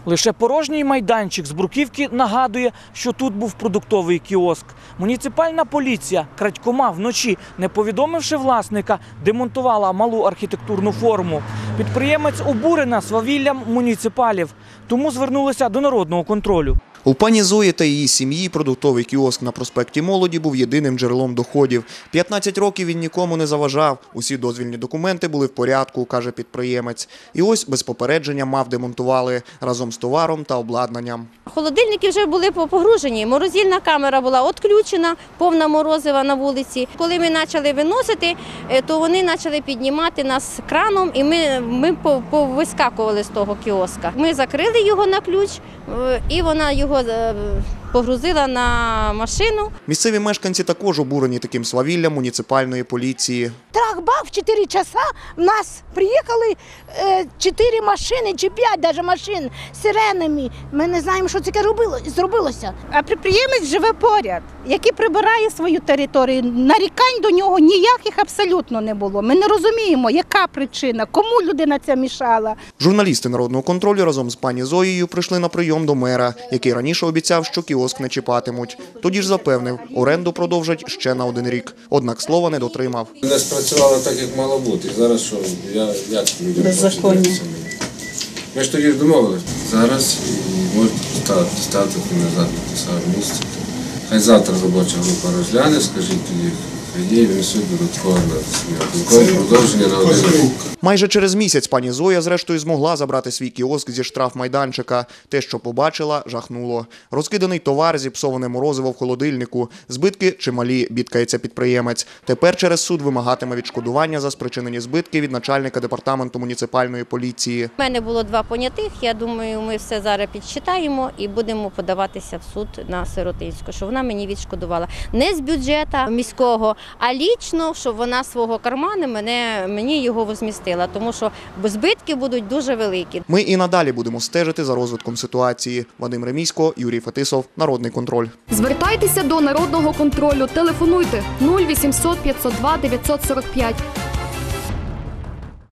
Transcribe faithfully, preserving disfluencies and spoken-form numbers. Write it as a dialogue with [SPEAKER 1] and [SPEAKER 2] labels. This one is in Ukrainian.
[SPEAKER 1] Лише порожній майданчик з бруківки нагадує, що тут був продуктовий кіоск. Муніципальна поліція крадькома вночі, не повідомивши власника, демонтувала малу архітектурну форму. Підприємець обурена свавіллям муніципалів, тому звернулися до народного контролю.
[SPEAKER 2] У пані Зої та її сім'ї продуктовий кіоск на проспекті Молоді був єдиним джерелом доходів. п'ятнадцять років він нікому не заважав. Усі дозвільні документи були в порядку, каже підприємець. І ось без попередження МАФ демонтували разом з товаром та обладнанням.
[SPEAKER 3] Холодильники вже були погружені, морозильна камера була відключена, повна морозива на вулиці. Коли ми почали виносити, то вони почали піднімати нас краном і ми, ми повискакували з того кіоска. Ми закрили його на ключ і вона його погрузила на машину.
[SPEAKER 2] Місцеві мешканці також обурені таким свавіллям муніципальної поліції.
[SPEAKER 4] Трах-бах, в чотири часа в нас приїхали чотири машини, чи п'ять навіть машин з сиренами. Ми не знаємо, що це зробилося.
[SPEAKER 5] А підприємець живе поряд, який прибирає свою територію. Нарікань до нього ніяких абсолютно не було. Ми не розуміємо, яка причина, кому людина ця мішала.
[SPEAKER 2] Журналісти народного контролю разом з пані Зоєю прийшли на прийом до мера, який раніше обіцяв, що кіоск не чіпатимуть. Тоді ж запевнив, оренду продовжать ще на один рік. Однак слова не дотримав.
[SPEAKER 6] Не спрацювало так, як мало бути. Зараз що, я, як людям
[SPEAKER 5] беззаконня.
[SPEAKER 6] Ми ж тоді ж домовилися. Зараз можуть ставити, ставити назад на те саме місце. Хай завтра робоча група розгляне, скажіть тоді, хай є, внесуть додаткове продовження на один рік.
[SPEAKER 2] Майже через місяць пані Зоя зрештою змогла забрати свій кіоск зі штрафмайданчика. Те, що побачила, жахнуло. Розкиданий товар, зіпсоване морозиво в холодильнику, збитки чималі, бідкається підприємець. Тепер через суд вимагатиме відшкодування за спричинені збитки від начальника департаменту муніципальної поліції.
[SPEAKER 3] У мене було два понятих, я думаю, ми все зараз підсчитаємо і будемо подаватися в суд на Сиротинську, що вона мені відшкодувала. Не з бюджету міського, а лічно, щоб вона свого карману мене, мені його возмістила. Тому що збитки будуть дуже великі.
[SPEAKER 2] Ми і надалі будемо стежити за розвитком ситуації. Вадим Ремісько, Юрій Фетисов, Народний контроль.
[SPEAKER 7] Звертайтеся до Народного контролю. Телефонуйте нуль вісімсот п'ятсот два дев'ятсот сорок п'ять.